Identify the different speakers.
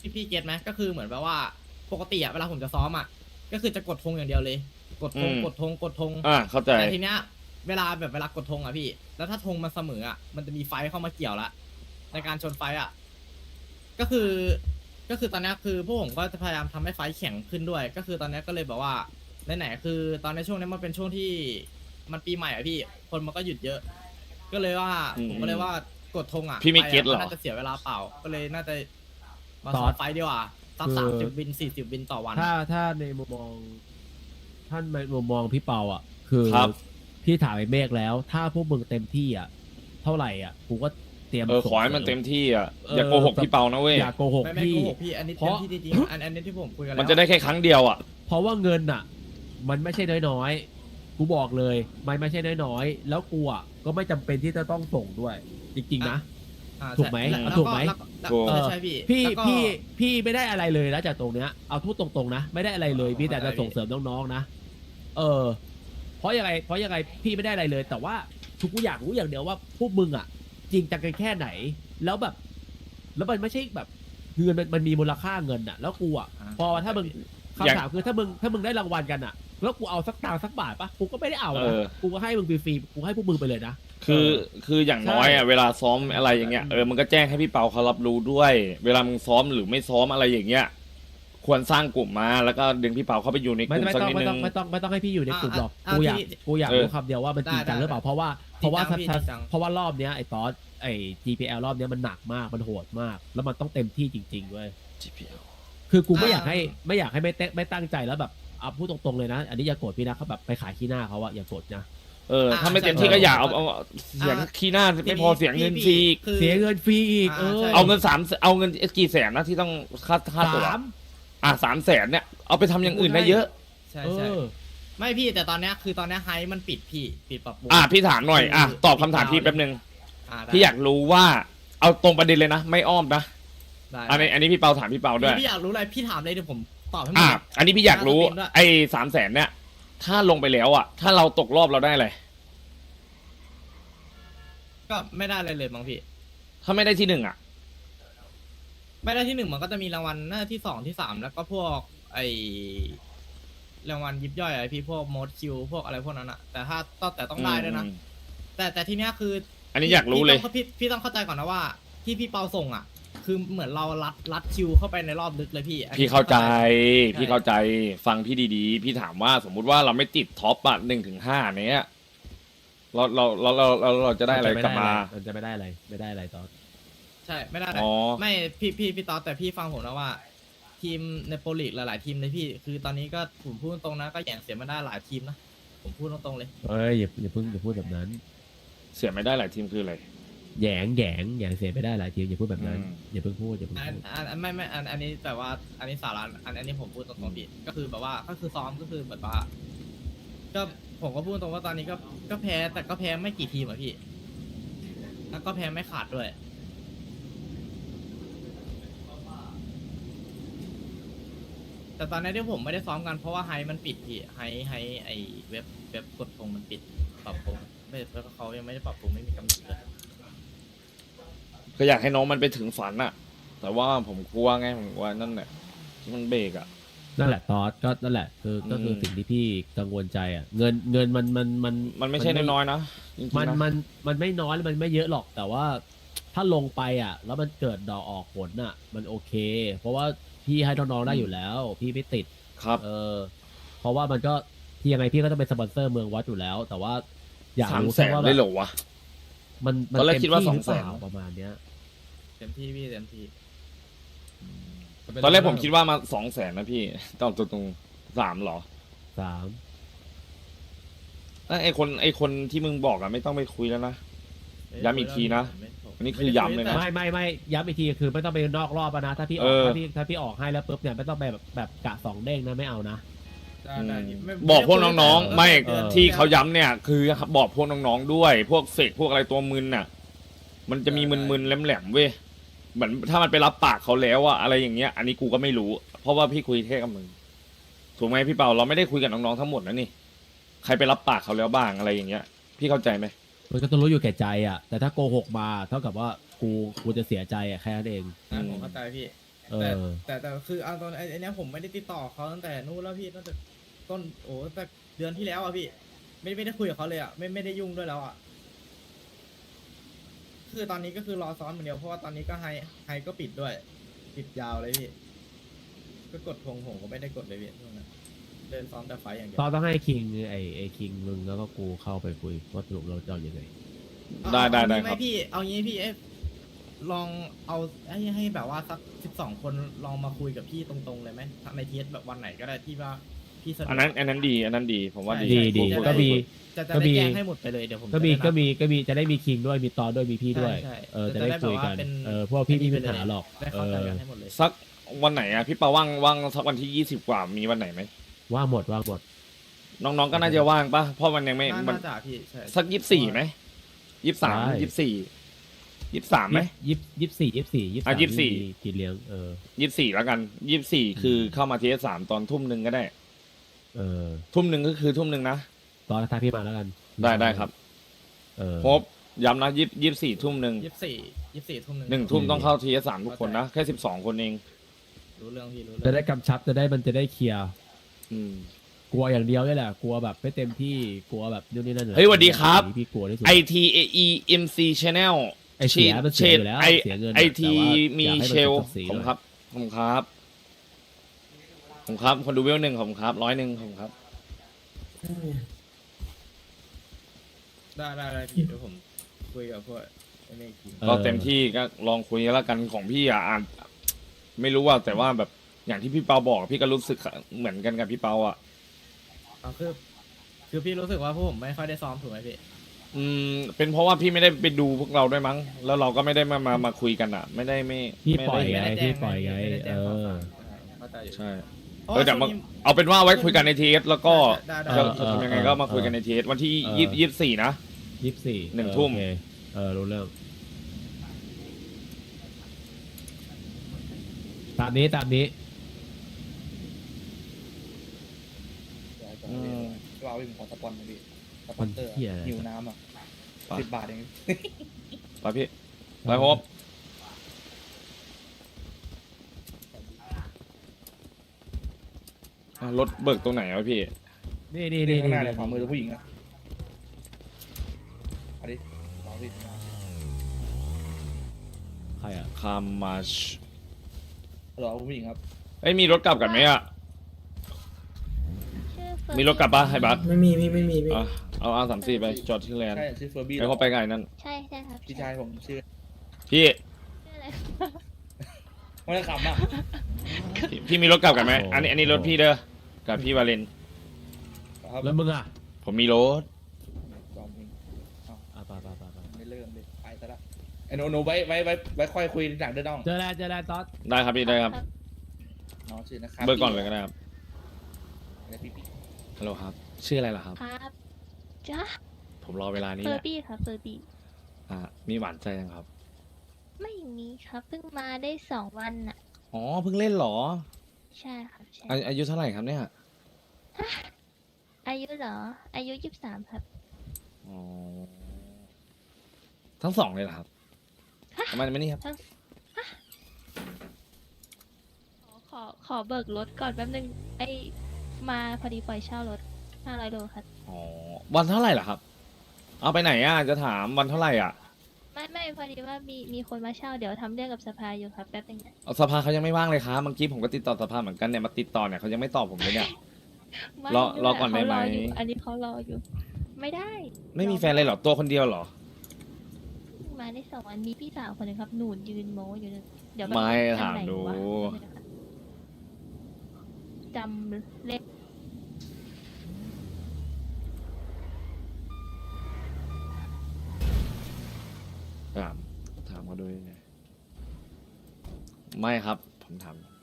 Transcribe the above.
Speaker 1: พี่เก็ตไหมก็คือเหมือนแบบว่าปกติอะเวลาผมจะซ้อมอะก็คือจะกดธงอย่างเดียวเลยกดธงกดธงกดธง
Speaker 2: เข้าใจ
Speaker 1: แต่ทีเนี้ยเวลากดธงอะพี่แล้วถ้าธงมันเสมออะมันจะมีไฟเข้ามาเกี่ยวละในการชนไฟอะก็คือก็คือตอนเนี้ยคือพวกผมก็จะพยายามทำให้ไฟแข็งขึ้นด้วยก็คือตอนเนี้ยก็เลยแบบว่าไหนๆคือตอนในช่วงนี้มันเป็นช่วงที่มันปีใหม่อะพี่คนมันก็หยุดเยอะ ก็เลยว่าผมก็เลยว่ากดธงอะ
Speaker 2: พี่ไม่เก็ตหรอ
Speaker 1: น่าจะเสียเวลาเปล่าก็เลยน่าจะมา
Speaker 2: ซ
Speaker 1: ซ้
Speaker 2: อ
Speaker 1: อ
Speaker 2: ส
Speaker 1: มไฟดีกว่าสัก
Speaker 2: คือ
Speaker 1: 30 วิน 40 วินต่อวัน
Speaker 2: ถ้าในมุมมองท่านในมุมมองพี่เปาอ่ะ คือ
Speaker 3: ครับ
Speaker 2: พี่ถามไอ้เมฆแล้ว ถ้าพวกมึงเต็มที่อ่ะ เท่าไหร่อ่ะกูก็เตรียม
Speaker 3: ขอให้มัน
Speaker 2: ส่งสริ
Speaker 3: เต็มที่อ่ะ
Speaker 2: เออ
Speaker 3: อย่าโกหกพี่เปานะเว้ย
Speaker 2: อย่าโกหก
Speaker 1: ไม่
Speaker 2: พี่
Speaker 1: โกหกพี่อันนี้
Speaker 2: เพ
Speaker 1: เต็ม
Speaker 2: ราะ
Speaker 1: ที่จริงๆอันนี้ที่ผมคุยกันแล้ว
Speaker 3: มันจะได้แค่ครั้งเดียวอ่ะ
Speaker 2: เพราะว่าเงินอ่ะ มันไม่ใช่น้อยๆ กูบอกเลยมันไม่ใช่น้อยๆ แล้วกูอ่ะก็ไม่จำเป็นที่จะต้องส่งด้วย จริงๆนะ ถูกไหม
Speaker 1: แล้ว
Speaker 2: ถูกไหม
Speaker 1: แล้ว
Speaker 3: ถูก
Speaker 1: ใช่พี่
Speaker 2: พี่
Speaker 1: แล้วก็
Speaker 2: พี่ไม่ได้อะไรเลยนะจากตรงเนี้ยเอาพูดตรงๆนะไม่ได้อะไรเลยพี่แต่จะส่งเสริมน้องๆนะเพราะยังไงพี่ไม่ได้อะไรเลย แต่ว่าทุกอยากรู้อย่างเดียวว่าพวกมึงอ่ะ จริงจังกันแค่ไหน แล้วแบบ แล้วมันไม่ใช่แบบเงินมันมีมูลค่าเงินอ่ะ แล้วกูอ่ะพอถ้ามึง
Speaker 3: อย่าง
Speaker 2: คำถามคือถ้ามึงได้รางวัลกันอ่ะ แล้วกูเอาสักตังค์สักบาทปะกูก็ไม่ได้เอา
Speaker 3: เอ
Speaker 2: นะ
Speaker 3: อ
Speaker 2: กูก็ให้มึงฟรีๆกูให้พวกมึงไปเลยนะ
Speaker 3: คืออย่างน้อยอ่ะเวลาซ้อมอะไรอย่างเงี้ยมันก็แจ้งให้พี่เปาเขารับรู้ด้วย เวลามึงซ้อมหรือไม่ซ้อมอะไรอย่างเงี้ยควรสร้างกลุ่มมาแล้วก็ดึงพี่เปาเข้าไปอยู่ในก
Speaker 2: ไม่
Speaker 3: ลุ่ม
Speaker 2: ไม่
Speaker 3: สัก
Speaker 2: ต้อง
Speaker 3: นิด
Speaker 2: ไม่
Speaker 3: นึ
Speaker 2: ต้อง
Speaker 3: ง
Speaker 2: ไม่ต้องไม่ต้องให้พี่อยู่ในกลุ่มหรอก
Speaker 1: อ่ะ
Speaker 2: กูอยาก
Speaker 3: เออ
Speaker 2: รู้คำเดียวว่ามันจริงจัง
Speaker 1: ได้
Speaker 2: หรือเปล่าเพราะว่า
Speaker 1: จริงจัง
Speaker 2: ถ้า
Speaker 1: พี่จริงจัง
Speaker 2: เพราะว่ารอบเนี้ยไอ้ตอสไอ้ GPL รอบเนี้ยมันหนักมากมันโหดมาก แล้วมันต้องเต็มที่จริงๆเว้ย
Speaker 3: GPL
Speaker 2: คือกูไม่อยากให้ไม่ตั้งใจแล้วแบบเอาพูดตรงๆเลยนะ อันนี้อย่าโกรธพี่นะเขาแบบไปขายขี้หน้าเขาอะอย่าโกรธนะ
Speaker 3: ถ้าไม่เต็มที่ก็อย่าเอาเสียงขี้หน้าไม่พอเสียงเงินฟรีอีก
Speaker 1: คือ
Speaker 2: เสียเงินฟรีอีก
Speaker 1: ใช่
Speaker 3: เอาเงินกี่แสนนะที่ต้องค่าตัว 300,000เนี่ยเอาไปทำอย่างอื่นได้เยอะ
Speaker 1: ใช่
Speaker 2: เอ
Speaker 1: ใช่
Speaker 2: อ
Speaker 1: ไม่พี่แต่ตอนเนี้ยคือตอนเนี้ยไฮมันปิดพี่ปิดปรับปรุง
Speaker 3: พี่ถามหน่อยตอบคำถามพี่แป๊บนึง
Speaker 1: ได้
Speaker 3: พี่อยากรู้ว่าเอาตรงประเด็นเลยนะไม่อ้อมนะ
Speaker 1: ได้
Speaker 3: อันนี้พี่เปาถามพี่เปาด้วย
Speaker 1: พี่อยากรู้อะไรพี่ถามเลยเดี๋ยวผมตอบให้หมด
Speaker 3: อันนี้พี่อยากรู้
Speaker 1: น่าจะเป็นด้วย
Speaker 3: ไอ้300,000เนี่ย ถ้าลงไปแล้วอ่ะ ถ้าเราตกรอบเราได้อะไร
Speaker 1: ก็ไม่ได้อะไรเลยมั้งพี่
Speaker 3: ถ้าไม่ได้ที่ 1อ่ะ
Speaker 1: ไม่ได้ที่ 1มันก็จะมีรางวัลหน้าที่ 2 ที่ 3 แล้วก็พวกไอรางวัลยิบย่อยอะไรพี่พวกโมดคิวพวกอะไรพวกนั้นอะแต่ถ้าต้องได้ด้วยนะแต่ทีเนี้ยคือ
Speaker 3: อันนี้อยากรู้เลย
Speaker 1: พี่ต้องเข้าใจก่อนนะว่าที่พี่เปาส่งอะคือเหมือนเรารัดคิวเข้าไปในรอบลึกเลยพี่อันนี้
Speaker 3: พี่เข้าใจ
Speaker 1: ช่
Speaker 3: พี่เข้าใจ ฟังพี่ดีๆ พี่ถามว่าสมมุติว่าเราไม่ติดท็อปอ่ะ1-5เนี้ยเราจะได้อะไรกลับมา
Speaker 2: มันจะไม่ได้อะไรตอน
Speaker 1: ใช่ไม่ได้
Speaker 3: อ๋อ
Speaker 1: ไม่พี่ตอแต่พี่ฟังผมนะว่า ทีมในโปรลีกหลายๆทีมเลยพี่ คือตอนนี้ก็ผมพูดตรงๆนะก็แย่งเสียมาได้หลายทีมนะผมพูดตรงๆเลย
Speaker 2: เอ้ยอย่าเพิ่งพูดแบบนั้น
Speaker 3: เสียไม่ได้หลายทีมคืออะไร
Speaker 2: แหยงเสียไปได้หลายทีมอย่าพูดแบบนั้น
Speaker 3: อืม
Speaker 2: อย่าเพิ่งพูด
Speaker 1: ไม่อันนี้แต่ว่าอันนี้สาระอันนี้ผมพูดตรงๆพี่ก็คือแบบว่าก็คือซ้อมก็คือแบบว่าก็ผมก็พูดตรงว่าตอนนี้ก็แพ้แต่ก็แพ้ไม่กี่ทีมอะพี่แล้วก็แพ้ไม่ขาดด้วย แต่ตอนนี้ที่ผมไม่ได้ซ้อมกันเพราะว่าไฮมันปิดพี่ไฮไอเว็บกดปรุงมันปิดปรับปรุงไม่เพราะเขายังไม่ได้ปรับปรุงไม่มีกำหนดเลย
Speaker 3: ก็อยากให้น้องมันไปถึงฝันอะแต่ว่าผมกลัวไงผมกลัวนั่นแหละที่มันเบรกอะ
Speaker 2: นั่นแหละตอสก็นั่นแหละก็คือสิ่งที่พี่กังวลใจอ่ะเงิน
Speaker 3: มันไม่ใช่น้อยๆนะจริงๆนะ
Speaker 2: มันไม่น้อยมันไม่เยอะหรอกแต่ว่าถ้าลงไปอ่ะ แล้วมันเกิดดอกออกผลอ่ะ มันโอเค เพราะว่าพี่ให้น้องๆได้อยู่แล้ว พี่ไม่ติด
Speaker 3: ครับ
Speaker 2: เพราะว่ามันก็ที่ยังไงพี่ก็ต้องเป็นสปอนเซอร์เมืองวัดอยู่แล้ว แต่ว่าอยาก
Speaker 3: 300,000
Speaker 2: รู้แค่ว่า
Speaker 3: ได้เหรอวะ
Speaker 2: มัน
Speaker 3: ตอนแรกคิดว่า
Speaker 2: เต็มที่หรือเปล่า
Speaker 3: 200,000
Speaker 2: ประมาณเนี้ย
Speaker 1: เต็มที่พี่เต็มที่
Speaker 3: ตอนแรกผมคิดว่ามา200,000นะพี่ตอบตรงๆ3เหรอ
Speaker 2: 3
Speaker 3: ไอคนที่มึงบอกอะไม่ต้องไปคุยแล้วนะ ย้ำอีกทีนะ อันนี้คือย้ำเลยนะ
Speaker 2: ไม่ย้ำอีกทีคือไม่ต้องไปนอกรอบอะนะถ้าพี่ออก ถ้าพี่ออกให้แล้วปุ๊บเนี่ยไม่ต้องไปแบบกะ2เด้งนะไม่เอานะ
Speaker 3: บอกพวกน้องๆไม่
Speaker 2: เออ
Speaker 3: ที่เขาย้ำเนี่ย คือบอกพวกน้องๆด้วย พวกเสกพวกอะไรตัวมึนน่ะ มันจะมีมึนๆแหลมๆเว้ยเหมือนถ้ามันไปรับปากเขาแล้วอะอะไรอย่างเงี้ย อันนี้กูก็ไม่รู้ เพราะว่าพี่คุยแค่กับมึงถูกไหมพี่เปาเราไม่ได้คุยกับน้องๆทั้งหมดนะนี่ใครไปรับปากเขาแล้วบ้างอะไรอย่างเงี้ย พี่เข้าใจไหม
Speaker 2: มันก็ต้องรู้อยู่แก่ใจอ่ะแต่ถ้าโกหกมาเท่ากับว่ากูจะเสียใจอ่ะแค่นั้นเอง
Speaker 1: ผมเข้าใจพี่
Speaker 2: เอ
Speaker 1: แต่
Speaker 2: อ
Speaker 1: คือเอาตอนไอ้เนี้ยผมไม่ได้ติดต่อเขาตั้งแต่นู้นแล้วพี่ตั้งแต่ต้นแต่เดือนที่แล้วอ่ะพี่ไม่ได้คุยกับเขาเลยอ่ะไม่ได้ยุ่งด้วยแล้วอ่ะคือตอนนี้ก็คือรอซ้อมอย่างเดียวเพราะว่าตอนนี้ก็ไฮก็ปิดด้วยปิดยาวเลยพี่ก็กดทงผมก็ไม่ได้กดเลยพี่ช่วงนั้นเดินซ้อมแต่ไฟอย่างเดียว
Speaker 2: ตอนต้องให้คิงไอ้คิงมึงแล้วก็กูเข้าไปคุยว่าสรุปเราจะเอายังไง
Speaker 3: ได้
Speaker 1: เอา
Speaker 3: ได้
Speaker 1: งี้หม
Speaker 3: ครับ
Speaker 1: พี่เอางี้พี่ลองเอาให้แบบว่าสัก12 คนลองมาคุยกับพี่ตรงๆเลยไหมในเทสแบบวันไหนก็ได้ที่ว่าพี่สะดวก
Speaker 3: อันนั้นดีผมว่า
Speaker 1: ใช่
Speaker 3: ดี
Speaker 2: ดี
Speaker 3: พู
Speaker 2: ก็มี
Speaker 1: จะ
Speaker 2: ก็
Speaker 1: ได้
Speaker 2: มี
Speaker 1: แจ้งให้หมดไปเลยเดี๋ยวผม
Speaker 2: ก็มี
Speaker 1: จะได้นับ
Speaker 2: จะได้มีคิงด้วยมีตอนด้วยมีพี่ด้วย
Speaker 1: ใช่
Speaker 2: จะได้คุยกัน
Speaker 1: จะได้แบบว่าเป็น
Speaker 2: พวกพี่ไม่มีปัญหา
Speaker 1: ไปเลย
Speaker 2: หรอก
Speaker 1: ได้เข้าใจกันให้หมดเลย
Speaker 3: สักวันไหนอะพี่เปาว่างสักวันที่20 กว่ามีวันไหนไหม
Speaker 2: ว่างหมด
Speaker 3: น้องๆก็น่าจะว่างปะเพราะมันยังไม่มัน
Speaker 1: น่าจะพี่ใช่
Speaker 3: สัก24ไหม23
Speaker 2: ได้
Speaker 3: 23ไหม
Speaker 2: 24
Speaker 3: อ่ะ24
Speaker 2: มีกินเลี้ยง
Speaker 3: 24แล้วกัน24คือเข้ามาทีสามตอนทุ่มหนึ่งก็ได้ ทุ่มหนึ่งก็คือทุ่มหนึ่งนะ
Speaker 2: ตอนท้ายพี่มาแล้วกัน
Speaker 3: ได้ครับ ครบย้ำนะ24 ทุ่มหนึ่ง
Speaker 1: 24 ทุ่ม
Speaker 3: 1 ทุ่มต้องเข้าทีสามทุกคนนะแค่12 คนเอง
Speaker 1: รู้เรื่องพี่รู้
Speaker 2: จะ
Speaker 1: เรื่
Speaker 2: ได้กำชับมันจะได้เคลียร์
Speaker 3: อืม
Speaker 2: กลัวอย่างเดียวนี่แหละกลัวแบบไม่เต็มที่กลัวแบบนู่นนี่นั่น
Speaker 3: เฮ้ยสวัสดีครับ
Speaker 2: พี่กลัวที่สุด
Speaker 3: ITAEMC Channel
Speaker 2: ไอเสียมันเสียอยู่แล้วเสียเงิน
Speaker 3: ไอที
Speaker 2: แต่ว่า
Speaker 3: มี
Speaker 2: อยากให้
Speaker 3: เช
Speaker 2: มัน
Speaker 3: ล
Speaker 2: เป็นศักดิ์ศรี
Speaker 3: ผม
Speaker 2: หน่อย
Speaker 3: ครับผมครับผมครับคนดูเวลหนึ่งผมครับ100ผมครับ
Speaker 1: ได้พี่เดี๋ยวผมคุยกับพวกไอ้นี่อีกที
Speaker 3: ก็เต็มที่ก็ลองคุยแล้วกันของพี่อ่านไม่รู้ว่าแต่ว่าแบบอย่างที่พี่เปาบอกพี่ก็รู้สึกเหมือนกันกับพี่เปาอ่ะ
Speaker 1: เอาคือพี่รู้สึกว่าพวกผมไม่ค่อยได้ซ้อมถูกไหมพี่
Speaker 3: เป็นเพราะว่าพี่ไม่ได้ไปดูพวกเราด้วยมั้ง แล้วเราก็ไม่ได้มาคุยกันอ่ะ ไม่
Speaker 2: พี่
Speaker 3: ไม่
Speaker 2: ปล่อย
Speaker 3: ได้
Speaker 2: ไง พี่ปล่อยไง
Speaker 1: ม่ด้แจ้ง
Speaker 2: เออ
Speaker 1: เข้าใจอยู่
Speaker 3: ใช่
Speaker 1: เพราะว่า
Speaker 3: เดี๋ยวมา
Speaker 1: ช่วงนี้
Speaker 3: เอาเป็นว่าไว้คุยกันในทีเอสแล้วก็
Speaker 1: ได้
Speaker 3: จะทำยังไงก็มาคุยกันในทีเอสวันที่24นะ
Speaker 2: 24
Speaker 3: หนึ่งทุ่ม
Speaker 2: โอเครู้เรื่องตามนี้
Speaker 4: เราเอาไปขอสปอนมาดิสป
Speaker 2: มั
Speaker 4: อน นเตอร์
Speaker 2: เหี้ยอะไร
Speaker 4: หิวน้ำอ่ะ
Speaker 3: ไป
Speaker 4: 10 บาทเอง
Speaker 3: ไปพี่ไปพบรถเบิกตรงไหนวะพี่
Speaker 2: นี่
Speaker 4: ข้างหน้าเนี่ยขวามือผู้หญิงอ่ะเอาดิลองดิ
Speaker 2: ใครอ่ะ
Speaker 3: คามาช
Speaker 4: รอผู้หญิงครับ
Speaker 3: เอ้ยมีรถกลับกันไหมอ่ะ มีรถกลับปะให้บัส
Speaker 5: ไม่มีพี่ไม่มีพี่
Speaker 3: อ่ะเอาR34ไปจอดที่แลนด์
Speaker 4: ใช่ชื่อเฟอร์บี้
Speaker 3: ไอ้เขาไปไงนั่น
Speaker 6: ใช่ครับ
Speaker 4: พี่ชายผมชื่อ
Speaker 3: พี่
Speaker 6: ชื่ออะไร
Speaker 4: ไม่ได้ขำอ่ะ
Speaker 3: พี่มีรถกลับกันไหมอันนี้รถพี่เด้อกับพี่วาเลน
Speaker 4: ครับ
Speaker 2: แล้วมึงอ่ะ
Speaker 3: ผมมีรถ
Speaker 4: จอมเอง
Speaker 2: ไป
Speaker 4: ไม่เริ่มเลยไปซะละไอ้หนูไว้ค่อยคุยหลังเดินน้อง
Speaker 2: เจอแล้วต๊อด
Speaker 3: ได้ครับพี่ได้ครับ
Speaker 4: น้องชื่อนะครับ
Speaker 3: เบิกก่อนเลยก็ได้ครับ
Speaker 4: อะไรพี่
Speaker 3: ฮัลโหลครับ ชื่ออะไรล่ะครับ
Speaker 6: ครับจ้า
Speaker 3: ผมรอเวลานี้
Speaker 6: เฟอ
Speaker 3: แหละ
Speaker 6: ร์บี้ครับเฟอร์บี้
Speaker 3: มีหวานใจยังครับ
Speaker 6: ไม่มีครับเพิ่งมาได้2 วันน่ะ
Speaker 3: อ๋อเพิ่งเล่นเหรอ
Speaker 6: ใช่ครับใช่
Speaker 3: อายุเท่าไหร่ครับเนี่ย
Speaker 6: อายุเหรอ อายุ23ครับ
Speaker 3: อ๋อทั้งสองเลยเหรอครับประมาณนี้ครับ
Speaker 6: ขอเบิกรถก่อนแป๊บนึงไอมาพอดีปล่อยเช่ารถ500 โลครับ
Speaker 3: อ๋อวันเท่าไหร่ล่ะครับ เอาไปไหนอ่ะจะถามวันเท่าไหร่อ่ะ
Speaker 6: ไม่พอดีว่ามีคนมาเช่าเดี๋ยวทำเรื่องกับสภาอยู่ครับแป๊บนึงนะ
Speaker 3: เอาสภาเขายังไม่ว่างเลยครับเมื่อกี้ผมก็ติดต่อสภาเหมือนกันเนี่ยมาติดต่อเนี่ยเขายังไม่ตอบผมเลยเนี่ย
Speaker 6: ไม่
Speaker 3: รอก่อนได้ไหม
Speaker 6: เขารอยู่อันนี้เขารออยู่ ไม่ได้
Speaker 3: ไม่มีแฟนเลยเหรอตัวคนเดียวเหรอ
Speaker 6: มาได้2 วันมีพี่สาวคนหนึงครับหนูนยืนโม้อยู่นึงเดี๋ยวแบบ
Speaker 3: ไม่
Speaker 6: อัน
Speaker 3: ถาม
Speaker 6: ไหน
Speaker 3: ดู
Speaker 6: วะจำเลข
Speaker 3: ถามเขาด้วยไงไม่ครับ ผมถาม